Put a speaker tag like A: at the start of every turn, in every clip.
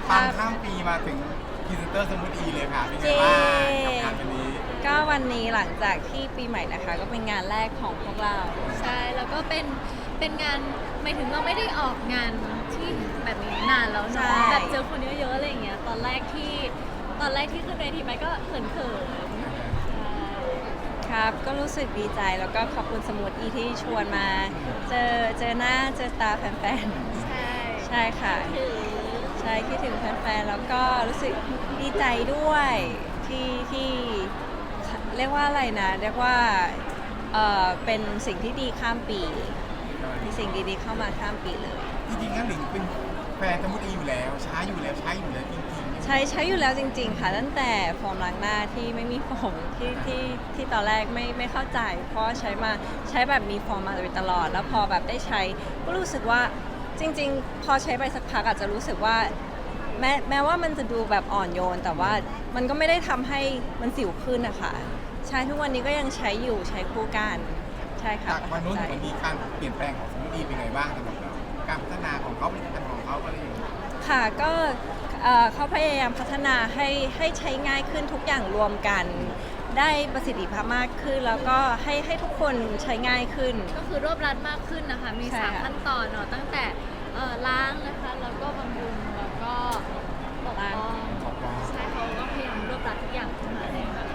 A: ปังข้ามปีมาถึงพรีเซนเตอร์สมูทอีเลยค่ะเป็นไง
B: เจ๊
A: บ้างกับงานวันนี้
B: ก็วันนี้หลังจากที่ปีใหม่นะคะก็เป็นงานแรกของพวกเรา
C: ใช่แล้วก็เป็นงานหมายถึงเราไม่ได้ออกงานที่แบบนี้นานแล้ว
B: ใช่
C: เนาะแบบเจอคนเยอะๆอะไรอย่างเงี้ยตอนแรกที่ขึ้นเวทีไปก็เขินๆใช่
B: ครับก็รู้สึกดีใจแล้วก็ขอบคุณสมุดอีที่ชวนมาเจอหน้าเจอตาแฟน
C: ใช่
B: ๆใช่ค่ะ
C: ถือ
B: ใช่คิดถึงแฟนๆแล้วก็รู้สึกดีใจด้วยที่เรียกว่าอะไรนะเรียกว่าเป็นสิ่งที่ดีข้ามปีมีสิ่งดีๆเข้ามาข้ามปีเลย
A: จริงๆงั้นหลิงเป็นแฟนสมูทอีอยู่แล้วใช้อยู่แล้วจริงๆ
B: ใช้อยู่แล้วจริงๆค่ะตั้งแต่โฟมล้างหน้าที่ไม่มีโฟมที่ตอนแรกไม่เข้าใจ เพราะใช้แบบมีโฟมมาโดยตลอด แล้วพอแบบได้ใช้ก็รู้สึกว่าจริงๆ พอใช้ไปสักพักอาจจะรู้สึกว่าแม้ว่ามันจะดูแบบอ่อนโยน แต่ว่ามันก็ไม่ได้ทำให้มันสิวขึ้นนะคะใช้ทุกวันนี้ก็ยังใช้อยู่ใช้คู่กันใช่ค่ะ
A: จากวันนู้นถึงวันนี้การเปลี่ยนแปลงของสมูทอีเป็นไงบ้างสำหรับเราการพัฒนาของเขาผลิตภัณฑ์ของเขาอะไรอย่างเงี้ย
B: ค่ะก็เขาพยายามพัฒนาให้ใช้ง่ายขึ้นทุกอย่างรวมกัน ได้ประสิทธิภาพมากขึ้น แล้วก็ให้ทุกคนใช้ง่ายขึ้น
C: ก็คือรวบรัดมากขึ้นนะคะ มี
B: ใช่ค่ะ
C: 3 ขั้นตอนเนาะตั้งแต่ล้างนะคะ แล้วก็บำรุง แล้วก็ปกป้องใช่เขาก็พยายามรวบรัดทุกอย่างขึ้นมาเลยค่ะ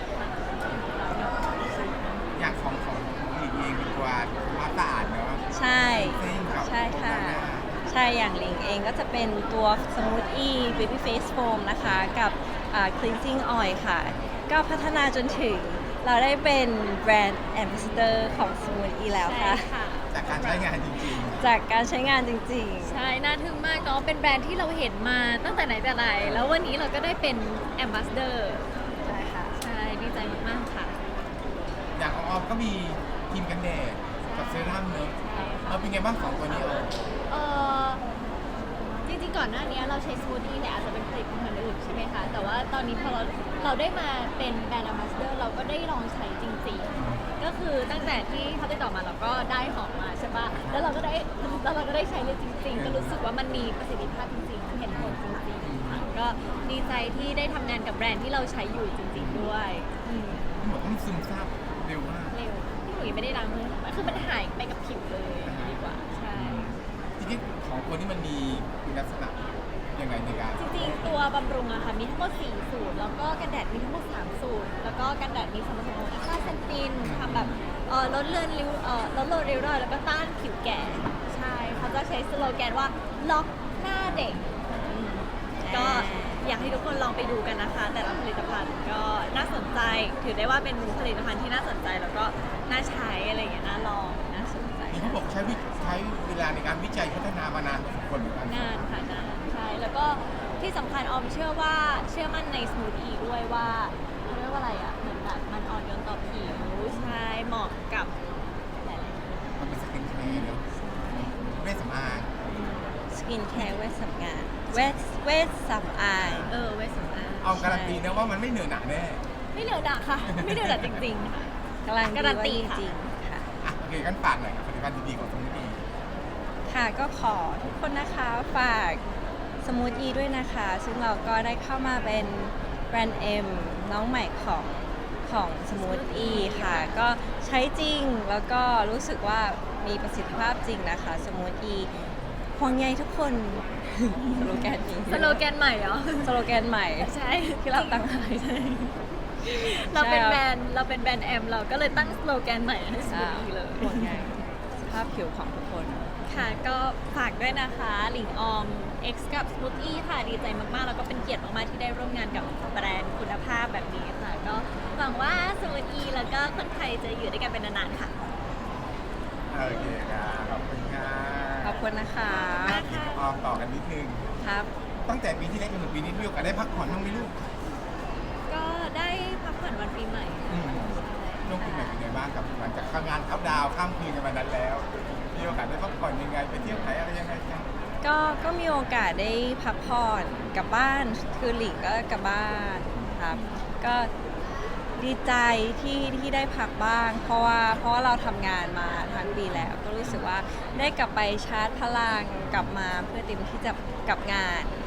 A: อย่างของหลิงเองดีกว่าความสะอาดเนาะ
B: ใช่
A: เส้นกับ
B: ใช่ค่ะ ใช่อย่างหลิงเองก็จะเป็นตัว Smoothie Baby Face Foam นะคะกับCleansing Oil ค่ะ ก็พัฒนาจนถึงเราได้เป็นแบรนด์ Ambassador ของ Smoothie แล้ว
C: ใช่
B: ค่ะ
C: ค่ะ
A: จากการใช้งานจริง
B: จากการใช้งานจริง
C: ใช่ น่าทึ่งมากเนาะ เป็นแบรนด์ที่เราเห็นมาตั้งแต่ไหนแต่ไร แล้ววันนี้เราก็ได้เป็นแอมบาสเดอร์
B: ๆ ใช่ค่ะ
C: ใช่ ดีใจมากๆค่ะ
A: ๆ อย่างของออมก็มีครีมกันแดดกับเซรั่มเนอะเอาเป็นไงบ้างของตัวนี้ออม
C: เออจริงๆก่อนหน้านี้เราใช้สมูทตี้เนี่ยอาจจะเป็นผลิตภัณฑ์อื่นใช่ไหมคะ แต่ว่าตอนนี้พอเราได้มาเป็นแบรนด์ a ม b สเดอร์เราก็ได้ลองใช้จริงๆ ก็คือตั้งแต่ที่เขาติดต่อมาเราก็ได้หอมมาใช่ปะแล้วเราก็ได้ใช้เลยจริงๆ ก็รู้สึกว่ามันมีประสิทธิภาพจริงๆ เห็นผลจริงๆค่ะก็ดีใจที่ได้ทำงานกับแบรนด์ที่เราใช้อยู่จริงๆด้วยอืม
A: หมดต้องซึมซาบเร็วมาก
C: เร็วพี่หนุ่ยไม่ได้ล้างมือคือมันหายไปกับผิวเลยดีกว่าใช่
A: ทีนี้ของตัวนี้มันมีคุณลักษณะยังไงในการ
C: จริงๆ ตัวบำรุงอะค่ะมีทั้งหมด4 สูตร แล้วก็กันแดดมีทั้งหมด3 สูตร แล้วก็กันแดดมีส่วนผสมของค่าเซนตินทำแบบลดเลือนริ้วลดโลริ้วรอยแล้วก็ต้านผิวแก่ ใช่เขาจะใช้สโลแกนว่าล็อกหน้าเด็กอืมก็อยากให้ทุกคนลองไปดูกันนะคะ แต่ละผลิตภัณฑ์ก็น่าสนใจ ถือได้ว่าเป็นผลิตภัณฑ์ที่น่าสนใจแล้วก็น่าใช้อะไรอย่างเงี้ยน่าลองน่าสนใจ
A: นี่เขาบอกใช้เวลาในการวิจัยพัฒนามานานพอสมควรเหมือนกัน
C: นานค่ะนานใช่แล้วก็ที่สำคัญออมเชื่อมั่นในสมูทอีด้วยว่าเขาเรียกว่าอะไรอ่ะเหมือนแบบมันอ่อนโยนต่อผิวใช่เหมาะกับหลายๆ
A: มันเป็นสกินแคร์เนอะเวชสำอาง
B: สกินแคร์เวชสำอางเวชสำอาง
C: เวสสำอาง
A: เอาการันตีนะว่ามันไม่เหนื่อยหนักแน่
C: ไม่เหนียวดักค่ะ ไม่เหนียวดักจริงๆค่ะ
B: การันตี
C: การันตี
B: ว่า
C: ค่ะ
B: จริงๆค่ะ
A: อ่ะโอเคกันฝากหน่อยกับผลิตภัณฑ์ดีๆของสมูทอี
B: ค่ะก็ขอทุกคนนะคะฝากสมูทอีด้วยนะคะ ซึ่งเราก็ได้เข้ามาเป็นแบรนด์เอ็มน้องใหม่ของสมูทอีค่ะ ก็ใช้จริงแล้วก็รู้สึกว่ามีประสิทธิภาพจริงนะคะสมูทอีห่วงใยทุกคน สโลแกนนี้
C: สโลแกนใหม่เหรอ
B: สโลแกนใหม่
C: ใช่
B: ที่เราตั้งให้
C: เราเป็น
B: ใช่
C: แบรนด์แอมเราก็เลยตั้งสโลแกนใหม่ให้สมูทอีเลย
B: ห่วงใยสภาพผิวของทุกคน
C: ค่ะก็ฝากด้วยนะคะหลิงออม X กับ Smoothie ค่ะดีใจมาก ๆ แล้วก็เป็นเกียรติมาก ๆ ที่ได้ร่วมงานกับแบรนด์คุณภาพแบบนี้ค่ะ ก็หวังว่า Smoothie แล้วก็คนไทยจะอยู่ด้วยกันเป็นนาน ๆ ค่ะ
A: โอเคครับขอบคุณค่ะ
B: ขอบคุณนะคะ
A: ออมต่อกันนิดนึง
B: ครับ
A: ตั้งแต่ปีที่แล้วจนถึงปีนี้มีโอกาสได้พักผ่อนบ้างไหมลูก
C: ก็ได้พักผ่อนวันปีใหม่
A: อืม ช่วงปีใหม่เป็นไงบ้างกับหลังจากทำงานเขาดาวน์ข้ามคืนกันมานั้นแล้ว มีโอกาสได้พักผ่อนยังไงไปเที่ยวไหนอะไรยังไงกัน
B: ก็มีโอกาสได้พักผ่อนกลับบ้านคือหลิงก็กลับบ้านครับ ก็ดีใจที่ได้พักบ้าง เพราะว่าเราทำงานมาทั้งปีแล้ว ก็รู้สึกว่าได้กลับไปชาร์จพลังกลับมาเพื่อเต็มที่จะกับงาน ใ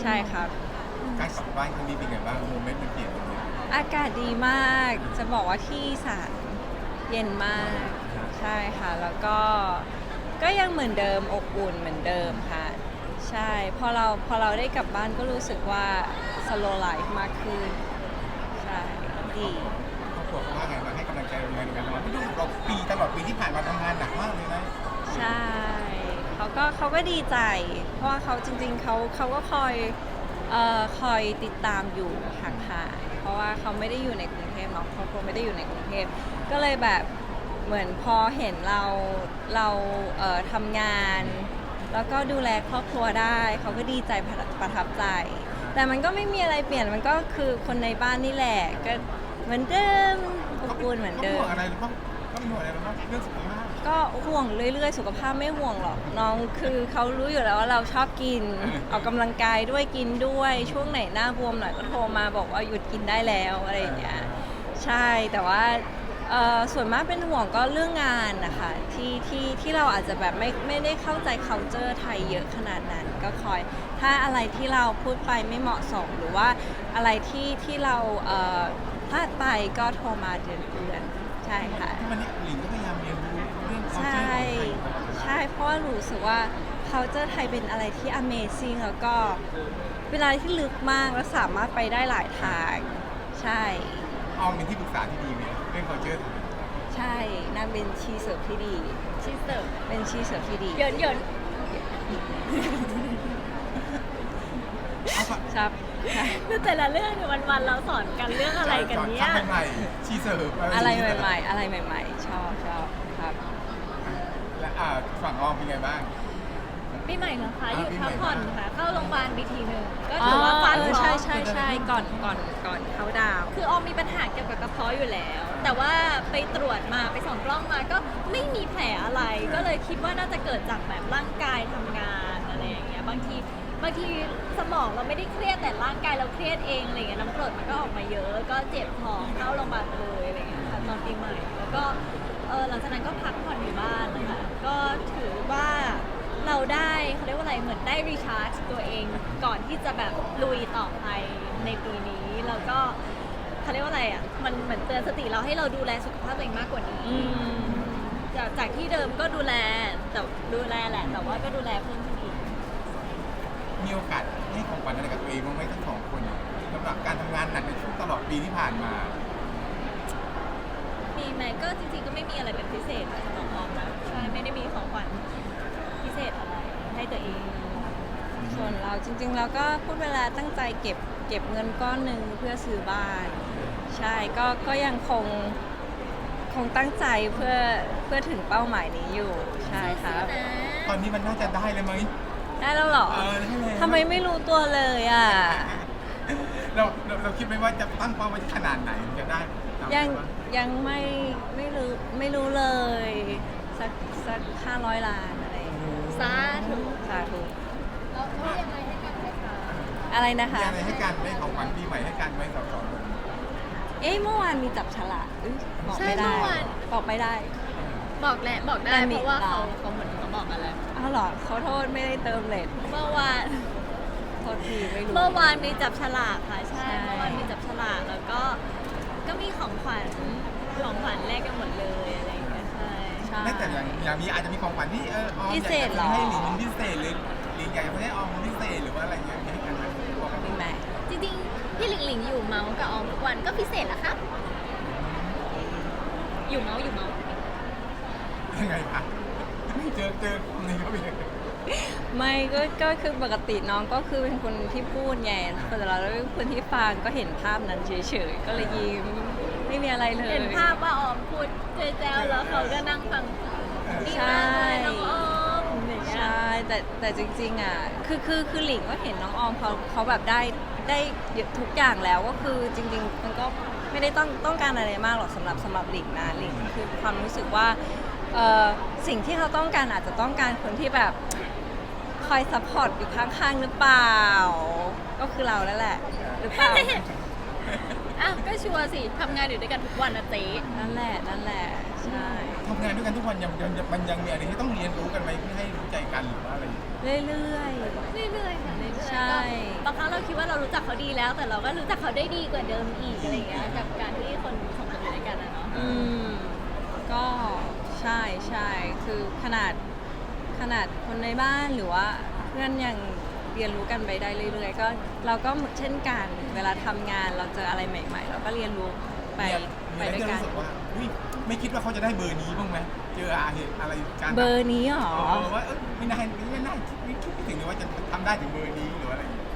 B: ใช่ครับ
A: การกลับบ้านครั้งนี้เป็นไงบ้างโมเมนต์มันเปลี่ยนไปเลย
B: อากาศดีมาก จะบอกว่าที่อีสานเย็นมาก ใช่ค่ะ แล้วก็ยังเหมือนเดิมอบอุ่นเหมือนเดิมค่ะ ใช่ พอเราได้กลับบ้านก็รู้สึกว่า slow life มากขึ้น ใช่ ดี
A: ครอบครัวเขาว่าไงบ้างให้กำลังใจเราไงในการทำงานเพราะดูเราตลอดปีที่ผ่านมาทำงานหนักมากเลยนะ
B: ใช่เขาก็ดีใจ เพราะว่าเขาจริงๆเขาก็คอยติดตามอยู่ห่างๆเพราะว่าเขาไม่ได้อยู่ในกรุงเทพเนาะเขาไม่ได้อยู่ในกรุงเทพก็เลยแบบเหมือนพอเห็นเราทำงาน แล้วก็ดูแลครอบครัวได้เขาก็ดีใจประทับใจ แต่มันก็ไม่มีอะไรเปลี่ยนมันก็คือคนในบ้านนี่แหละก็เหมือนเดิมอบอุ่นเหมือนเดิ
A: เขา
B: ม
A: ห่วงอะไรหรือเปล่าเขาเป็นห่วงอะไรหรือเปล่าเรื่องสุขภาพ
B: ก็ห่วงเรื่อยๆ สุขภาพไม่ห่วงหรอกน้องคือเขารู้อยู่แล้วว่าเราชอบกิน ออกกำลังกายด้วยกินด้วยช่วงไหนหน้าบวมหน่อยก็โทรมาบอกว่าหยุดกินได้แล้วอะไรอย่างเงี้ยใช่แต่ว่าส่วนมากเป็นห่วงก็เรื่องงานนะคะที่เราอาจจะแบบไม่ได้เข้าใจ culture ไทยเยอะขนาดนั้นก็คอยถ้าอะไรที่เราพูดไปไม่เหมาะสมหรือว่าอะไรที่เราพลาดไปก็โทรมาเตือนใช่ค่ะ
A: ที่วันนี้หลิงก็พยายามเรียนรู้เรื่อง
B: ใช่
A: culture ของไทยตลอดเวลา
B: ใช่เพราะว่ารู้สึกว่า culture ไทยเป็นอะไรที่ amazing แล้วก็เป็นอะไรที่ลึกมากและสามารถไปได้หลายทางใช่
A: ออมเป็นที่ปรึกษาที่ดีไหมเรื่อง culture ไทย
B: ใช่นางเป็นชีเสิร์ฟที่ดี
C: ชีสเสิร์ฟ
B: เป็นชีเสิร์ฟที่ดี
C: เหยินเหยิน
A: เอาปะ
B: ครับใช่
C: คือแต่ละเรื่องเนี่ยวันๆเราสอนกันเรื่องอะไรกันเนี่ย
A: ทำใหม่ๆชีเสิร์ฟ
B: อะไรใหม่ๆ อะไรใหม่ ๆ ชอบครับ
A: และฝั่งออมเป็นไงบ้าง
C: ปีใหม่เหรอคะหยุด
A: ปีใหม่
C: พักผ่อนค่ะ เข้าโรงพยาบาลไปทีหนึ่งก็
B: อ๋
C: ถื
B: อ
C: อว่าฟัน
B: ใช่
C: เคราะห์
B: ใช่ก่อนเขาดาวน์
C: คือออมมีปัญหาเกี่ยวกับกระเพาะอยู่แล้ว แต่ว่าไปตรวจมาไปส่องกล้องมาก็ไม่มีแผลอะไร ก็เลยคิดว่าน่าจะเกิดจากแบบร่างกายทำงานอะไรอย่างเงี้ยบางทีสมองเราไม่ได้เครียดแต่ร่างกายเราเครียดเองอะไรเงี้ยน้ำกรดมันก็ออกมาเยอะ ก็เจ็บท้องเข้าโรงพยาบาลเลยอะไรเงี้ยค่ะตอนปีใหม่แล้วก็หลังจากนั้นก็พักผ่อนอยู่บ้านนะคะก็ถือว่าเราได้เขาเรียกว่าอะไรเหมือนได้รีชาร์จตัวเองก่อนที่จะแบบลุยต่อไปในปีนี้แล้วก็เขาเรียกว่าอะไรอ่ะมันเหมือนเตือนสติเราให้เราดูแลสุขภาพตัวเองมากกว่านี้
B: อืม
C: จากที่เดิมก็ดูแลแต่ดูแลแหละ แต่ว่าก็ดูแลเพิ่มขึ้นอีก
A: มีโอกาสให้ของขวัญอะไรกับตัวเองบ้างไหมทั้งสองคนสำหรับการทำงานหนักในช่วงตลอดปีที่ผ่านมา
C: มีไหมก็จริงๆก็ไม่มีอะไรเป็นพิเศษสำหรับออมนะใช่ไม่ได้มีของขวัญพิเศษอะไรให้ตัวเอง
B: ส่วนเราจริงๆเราก็พูดเวลาตั้งใจเก็บเงินก้อนหนึ่งเพื่อซื้อบ้าน ใช่ก็ยังคงตั้งใจเพื่อถึงเป้าหมายนี้อยู่ใช่ครับ
A: ตอนนี้มันน่าจะได้เลยไหม
B: ได้แล้วเหรอ
A: ได้แล้ว
B: ทำไมไม่รู้ตัวเลยอ่ะ
A: เราคิดไหมว่าจะตั้งเป้าไว้ที่ขนาดไหนถึงจะได้ตาม
B: ยัง
A: ที่ว่า
B: ยังไม่รู้เลย สัก500 ล้านอะไรอย่างเงี้ย
C: สาธุ
B: สาธุ
C: แล้วยังไงให้กันไหมคะ
B: อะไรนะคะ
A: มีอะไรให้การได้ของขวัญปีใหม่ให้การไว้สองคน
B: เอ๊ะเมื่อวานมีจับฉลากอุ๊ยบอกไม่ได้บอกไม่ได้
C: บอกได้
B: แต่มี
C: เพราะว่า
B: ตา
C: เขาเหมือนเขาบอกกันแล้ว
B: อ้าวเหรอเขาโทษไม่ได้เติมเลท
C: เมื่อวาน
B: โทษทีไม่รู้
C: เมื่อวานมีจับฉลากค่ะใช่
B: ใช่
C: เมื่อวานมีจับฉลากแล้วก็มีของขวัญแลกกันหมดเลยอะไรอย่างเงี้ยใช่
B: ใช่
A: ไม่แต่อย่างมีอาจจะมีของขวัญที่ออม
B: พิเศษเหรอ
A: ให้หลิงเป็นพิเศษหรือหลิงอยากจะให้ออมเป็นพิเศษหรือว่าอะไรเงี้ยมีให้กันไหมบอกกัน
B: มีไหม
C: จริงๆพี่หลิงหลิงอยู่เมาส์กับออมทุกวันก็พิเศษแล้วครับอยู่เมาส์
A: ยังไงคะเจอคนนี้ก็เป็นยังไง
B: ไม่ก็คือปกติน้องก็คือเป็นคนที่พูดไงแต่เราเป็นคนที่ฟังก็เห็นภาพนั้นเฉยๆก็เลยยิ้มไม่มีอะไรเลย
C: เห็นภาพว่าออมพูดเจ๊ๆแล้วเขาก็นั่งฟังดี
B: ใช่
C: มากเลยน้องออมอย่างเงี้ย
B: ใช่แต่จริงๆอ่ะคือหลิงก็เห็นน้องออมเขาแบบได้ทุกอย่างแล้วก็คือจริงๆมันก็ไม่ได้ต้องการอะไรมากหรอกสำหรับหลิงนะหลิงคือความรู้สึกว่าสิ่งที่เขาต้องการอาจจะต้องการคนที่แบบคอยซัพพอร์ตอยู่ข้างๆหรือเปล่า ก็คือเราแล้วแหละหรือเปล่า
C: อ้าวก็ชัวร์สิทำงานอยู่ด้วยกันทุกวันนะเจ๊
B: นั่นแหละใช่
A: ทำงานด้วยกันทุกวันมันยังมีอะไรที่ต้องเรียนรู้กันไหมเพื่อให้รู้ใจกันหรือว่าอะไรอย่างเงี้ย
B: เรื่อย
C: เรื่อยๆค่ะเรื่อยๆ
B: ใช่
C: ก็บางครั้งเราคิดว่าเรารู้จักเขาดีแล้ว แต่เราก็รู้จักเขาได้ดีกว่าเดิมอีกอะไรอย่างเงี้ยกับการที่คนสองคนอยู่ด้วยกันนะเนาะ
B: อืมก็ใช่ใช่คือขนาดคนในบ้านหรือว่าเพื่อนยังเรียนรู้กันไปได้เรื่อยๆก็เราก็เช่นกันเวลาทำงานเราเจออะไรใหม่ ๆ เราก็เรียนรู้ไป
A: มีอะไร
B: ด้วย
A: ที่
B: กัน
A: รู้สึกว่าอุ๊ยไม่คิดว่าเขาจะได้เบอร์นี้บ้างไหมเจอเหตุอะไรการ
B: เบอร์นี้หรอ
A: ว่าไม่น่าไม่คิดไม่ถึงเลยว่าจะทำได้ถึงเบอร์นี้หรืออะไรอย่างเงี้ย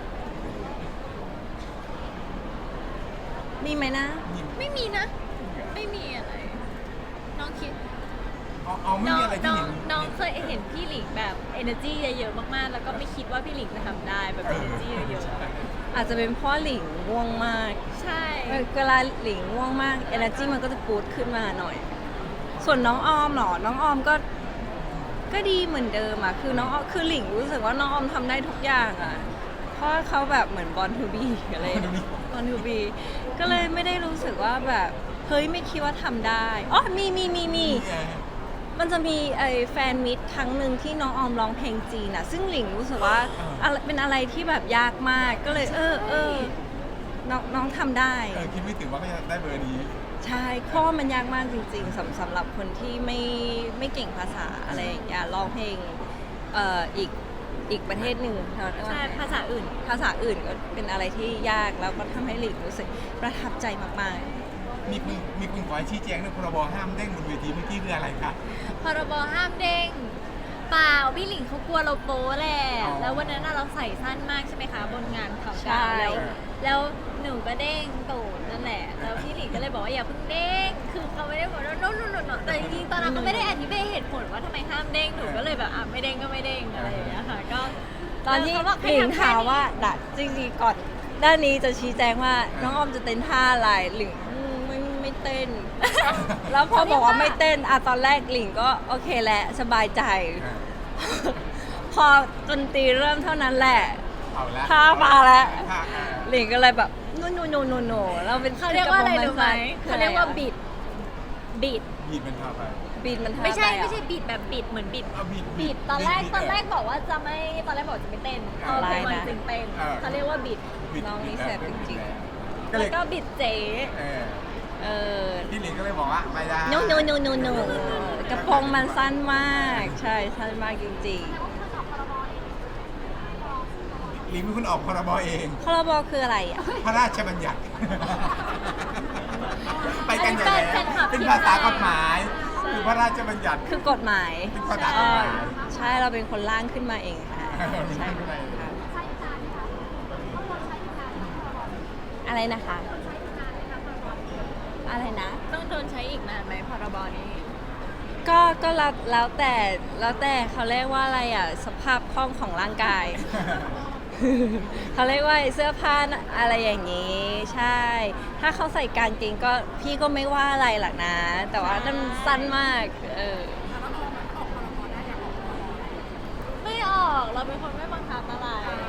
B: มีไหมนะ
C: ไม่มีนะ ไม่มีอะไร น้องคิด
A: เอาไม่มีอะไรที่เห็น
C: น้องเคยเห็นพี่หลิงแบบ energy เยอะๆมากๆ แล้วก็ไม่คิดว่าพี่หลิงจะทำได้แบบ energy เยอะ
B: อาจจะเป็นเพ่อหลิงง่วงมาก
C: ๆ ใช่
B: เวลาหลิงง่วงมาก energy มันก็จะปูดขึ้นมาหน่อย ส่วนน้องออมเหรอ น้องออมก็ดีเหมือนเดิมอ่ะ คือน้องออมคือหลิงรู้สึกว่าน้องออมทำได้ทุกอย่างอ่ะ เพราะเขาแบบเหมือนบอลทูบีอะไรบอลทูบีก็เลยไม่ได้รู้สึกว่าแบบเฮ้ยไม่คิดว่าทำได้อ๋อมีมันจะมีไอ้แฟนมิตครั้งหนึ่งที่น้องออมร้องเพลงจีนอ่ะ ซึ่งหลิงรู้สึกว่าเป็นอะไรที่แบบยากมาก ก็เลยน้องทำได้
A: คิดไม่ถึงว่าเขาจะได้เบอร์นี้
B: ใช่เพราะว่ามันยากมากจริงๆสำหรับคนที่ไม่เก่งภาษาอะไรอย่างเงี้ยร้องเพลงอีกประเทศหนึ่ง
C: ใช่ภาษาอื่น
B: ภาษาอื่นก็เป็นอะไรที่ยากแล้วก็ทำให้หลิงรู้สึกประทับใจมาก
A: มีคุณขอให้ชี้แจงเรื่องพรบห้ามเด้งบนเวทีเมื่อกี้คืออะไรคะ
C: พรบห้ามเด้งเปล่าพี่หลิงเขากลัวเราโป๊แหละ
A: อ๋อ
C: แล้ววันนั้นน่ะเราใส่สั้นมากใช่ไหมคะบนงานเขา
B: ใช่
C: ดาวแล้วหนูก็เด้งตูดนั่นแหละแล้วพี่หลิงก็เลยบอกว่าอย่าเพิ่งเด้งคือเขาไม่ได้บอกว่าโน่นแต่จริงๆตอนนั้นเขาไม่ได้อธิบายเหตุผลว่าทำไมห้ามเด้งหนูก็เลยแบบไม่เด้งก็ไม่เด้งอะไรอย่างเงี้ยค่ะก็
B: ๆ ตอนที่
C: เขาบอก
B: ห
C: ให้
B: ลิง
C: ทำแค่
B: ถาม
C: นี้
B: ว่าจริงๆก่อนด้านนี้จะชี้แจงว่าน้องออมจะเต้นท่าอะไรหลิงไม่เต้น แล้วพอบอกว่าไม่เต้นตอนแรกหลิงก็โอเคแหละสบายใจ พอดนตรีเริ่มเท่านั้นแหละ
A: เอาละ
B: ท่ามาแล้ว
A: ท่า
B: หลิงก็เลยแบบโนเราเป็น
C: เขาเรียกว่าอะไรรู้ไหม
B: คือ
C: เขาเรียกว่าบิด
A: บีดมันท่าไป
B: บีดมันท่า
C: ไม่ใช่
B: ปอะ
C: ไม่ใช่บิดแบบบิดเหมือนบิด
A: เอาบีด
C: บิดตอนแรกบอกว่าจะไม่ตอนแรกบอกจะไม่เต้นพอเป็นวันจริงเต้นเขาเรียกว่าบิด
B: น้องนี่แสบจริง
A: ก็เล
C: แล้
A: ยว
C: ก็บิดเจ๊
A: พี่หลิงก็เลยบอกว่าไม่ได้
B: โนกระโปรงมันสั้นมากใช่สั้นมากจริง
A: หลิงเป็นคนออกพรบเอง
B: ๆพรบคืออะไรอ่ะ
A: พระราชบัญญัติ ไปกันอย่าง
C: อัน
A: ไร
C: นี้เป็น
A: เป็นภาษากฎหมาย คือพระราชบัญญัติ
B: คือกฎหมาย
A: เป็นภาษากฎหมาย
B: ใช่เราเป็นคนร่างขึ้นมาเองค่ะ
A: เป็น
B: ใช่
A: ขึ้นมาเอง
B: ค่ะอะไรนะคะ อะไรนะ
C: ต้องโดนใช้อีกนานไหมพรบนี้
B: ก็แล้วแต่เขาเรียกว่าอะไรอ่ะสภาพคล่องของร่างกาย เขาเรียกว่าเสื้อผ้าอะไรอย่างนี้ ใช่ ถ้าเขาใส่กางเกงก็พี่ก็ไม่ว่าอะไรหรอกนะ แต่ว่านั่นสั้นมาก
C: ไม่ออกเราเป็นคนไม่บังคับอะไร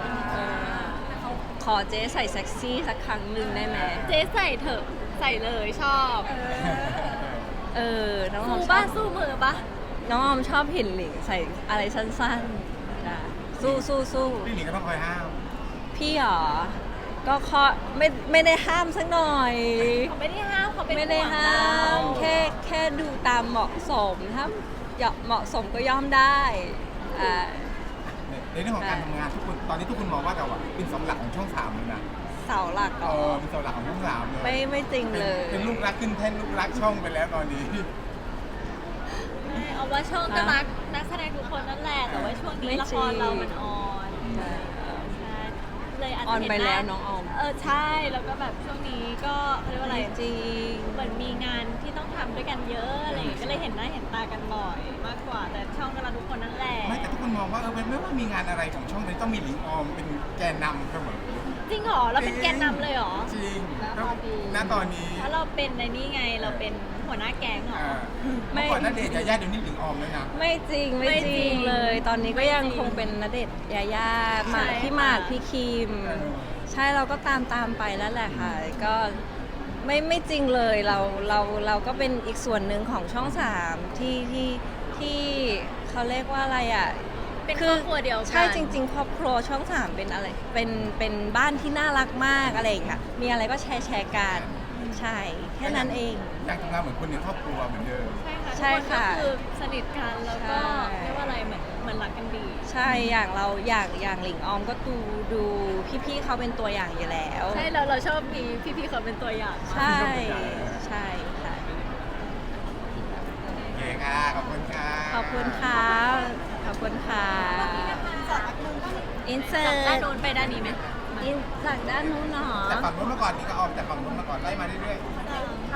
B: ขอเจ๊ใส่เซ็กซี่สักครั้งหนึ่งได้ไหม
C: เจ๊ใส่เถอะใส่เลยชอบ
B: น้องออ
C: สู้
B: มชอ
C: บ้า
B: บ
C: สู้มือปะ
B: น้องออมชอบเห็นหลิงใส่อะไรสั้นๆจ้ะสู้
A: พี่หลิงก็ต้องคอยห้าม
B: พี่หรอ ก็ไม่ได้ห้ามสักหน่อย
C: เขาไม่ได้ห้ามเขาเป็น
B: ไม่ได้
C: ห่วง
B: ห้า
C: เรา
B: มแค่ดูตามเหมาะสมถ้าเหมาะสมก็ย่อมได้อ่า
A: ในเรื่องของการทำงานทุกคนตอนนี้ทุกคนมองว่าเราเป็นเสาหลักของช่องสามเลยนะ
B: เสาหลักเหรอ
A: เป็นเสาหลักของช่องสามเลย
B: ไม่จริงเลย
A: เป็นลูกรักขึ้นแท่นลูกรักช่องไปแล้วตอนนี้
C: ไม่เอาว่าช่องก็รักนักแสดงทุกคนนั่นแหละแต่ว่าช่วงนี้ละครเรามันออนใช่เลยอาจ
B: อ
C: จะ
B: อน
C: เห็น
B: ไป
C: ห
B: แล้วน้องออม
C: ใช่แล้วก็แบบช่วงนี้ก็เขาเรียกว่าอะไร
B: จริง
C: เหมือนมีงานที่ต้องทำด้วยกันเยอะอะไรอย่างเงี้ยก็เลยเห็นหน้าเห็นตากันบ่อยมากกว่า แต่ช่องก็รักทุกคนนั่นแหละ
A: ไม่แต่ทุกคนมองว่าไม่ว่ามีงานอะไรของช่องนี้ต้องมีหลิงออมเป็นแกนนำเสมอ
C: จริงเหรอเราเป็นแกนนำเลยเหรอ
A: จริง
C: ณตอนนี้
A: ณตอนนี้
C: เพราะเราเป็นในนี่ไงเราเป็นหัวหน้าแก๊งเหรอ
A: เมื่อก่อนนั่นเดชน์ยาย่าเดี๋ยวนี้หลิงออมเลยนะ
B: ไม่จริง
C: ไม่จริง
B: เลย ตอนนี้ก็ยังคงเป็นณเดชน์ยาย่าหมาก
C: ใช่
B: พี่หมาก
C: ค่ะ
B: พี่คิม ใช่เราก็ตามไปแล้วแหละค่ะ ก็ไม่จริงเลยเราก็เป็นอีกส่วนหนึ่งของช่องสามที่เขาเรียกว่าอะไรอ่ะเ
C: เป็น
B: คื
C: ครอบครัวเดียวกัน
B: ใช่จริง ๆ ครอบครัวช่องสามเป็นอะไรเป็นบ้านที่น่ารักมากอะไรอย่างเงี้ยมีอะไรก็แชร์กันใช่แค่นั้นเอง
A: ยังทำงานเหมือนคนในครอบครัวเหมือนเดิม
C: ใช่ค่ะ
B: ใช่ค่ะ
C: ทุกคนก็คือสนิทกันแล้วก็
B: ใช่
C: เรียกว่าอะไรเหมือนรักกันดี
B: ใช่อย่างเราอย่างหลิงออมก็ดูพี่ๆเขาเป็นตัวอย่างอยู่แล้ว
C: ใช่เราชอบมีพี่ๆเขาเป็นตัวอย่าง
B: ใช่ใช่ค่ะ
A: โอเคค่ะ ขอบคุณค่ะ
B: ขอบคุณค่ะขอบคุณค่ะอินเสิ
C: จากด้าน
B: ร์ต
C: โน้นไปด้านนี้ไหม
B: จากด้านนู้นเนาะ
A: จากฝั่งนู้นมาก่อนนี่ก็ออมจากฝั่งนู้นมาก่อนไล่มาเรื่อยๆ